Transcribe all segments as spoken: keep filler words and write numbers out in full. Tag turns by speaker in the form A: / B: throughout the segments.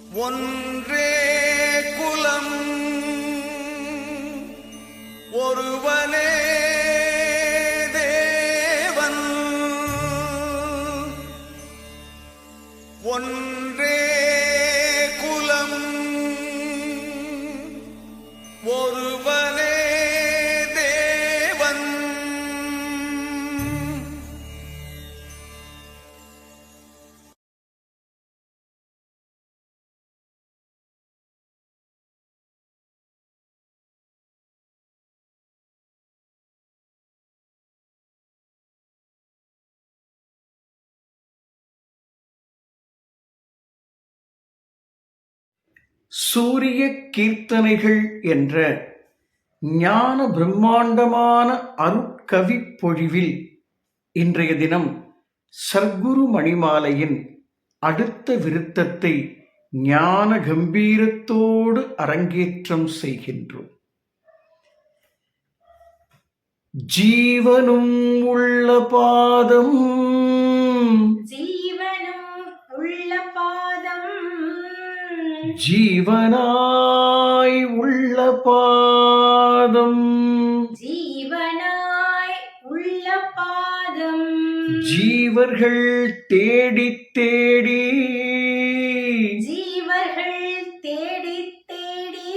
A: ஒன்றே குலம் ஒருவனே தேவன் ஒன்றே குலம் ஒருவனே தேவன்.
B: சூரிய கீர்த்தனைகள் என்ற ஞான பிரம்மாண்டமான அருட்கவிப் பொழிவில் இன்றைய தினம் சர்க்குரு மணிமாலையின் அடுத்த விருத்தத்தை ஞான கம்பீரத்தோடு அரங்கேற்றம் செய்கின்றோம். ஜீவனும் உள்ள பாதம்
C: ஜீவனும் உள்ள பாதம்
B: ஜீவனாய் உள்ள பாதம்
C: ஜீவனாய் உள்ள பாதம்
B: ஜீவர்கள் தேடி தேடி
C: ஜீவர்கள் தேடி தேடி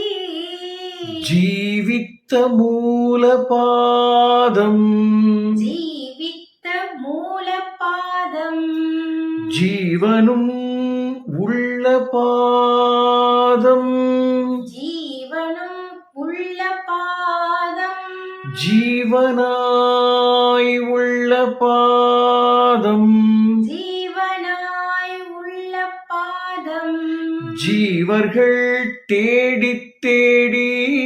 B: ஜீவித்த மூல பாதம்
C: ஜீவித்த மூல பாதம்
B: ஜீவனும் உள்ள பாதம்
C: ஜீவனும் உள்ள பாதம்
B: ஜீவனாய் உள்ள பாதம்
C: ஜீவனாய் உள்ள பாதம்
B: ஜீவர்கள் தேடி தேடி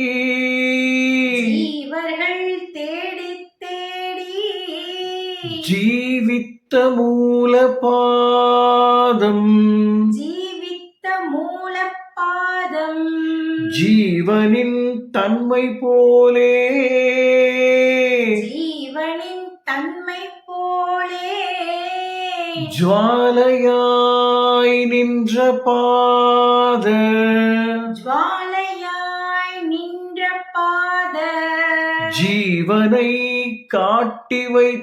C: ஜீவர்கள் தேடி தேடி
B: ஜீவித்த மூல பாதம்
C: ஜீவித்த மூல பாதம்
B: ஜீவனின் தன்மை போலே
C: ஜீவனின் தன்மை போலே
B: ஜுவாலையாய் நின்ற பாத
C: ஜுவாலையாய் நின்ற பாத
B: ஜீவனை காட்டி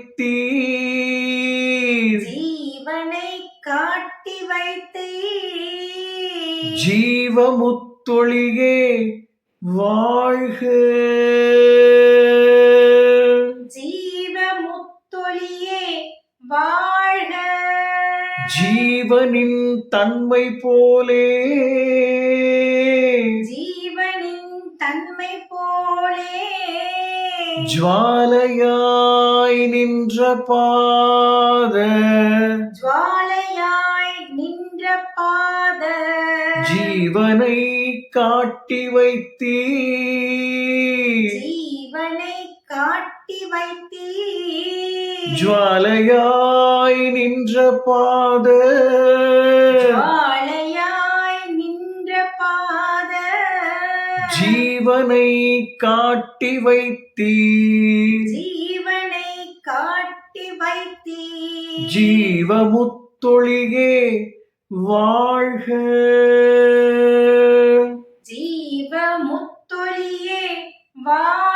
B: வைத்தீர்
C: ஜீவனை காட்டி வைத்தே
B: ஜீவமுத்தொழியே வாழ்க
C: ஜீவமுத்தொழியே வாழ்க
B: ஜீவனின் தன்மை போலே
C: ஜீவனின் தன்மை போலே
B: ஜுவாலையாய் நின்ற பாத
C: ஜுவாலையாய் நின்ற பாத
B: ஜீவனை காட்டி வைத்தீர்
C: ஜீவனை காட்டி வைத்தே
B: ஜுவாலையாய் நின்ற பாத
C: ஜுவாலையாய் நின்ற பாத
B: ஜீவனை காட்டி வைத்தீர்
C: ஜீவனை காட்டி வைத்தே
B: ஜீவமுத்தொழியே வாழ்க
C: ஜீவமுத்தொழியே வாழ்க.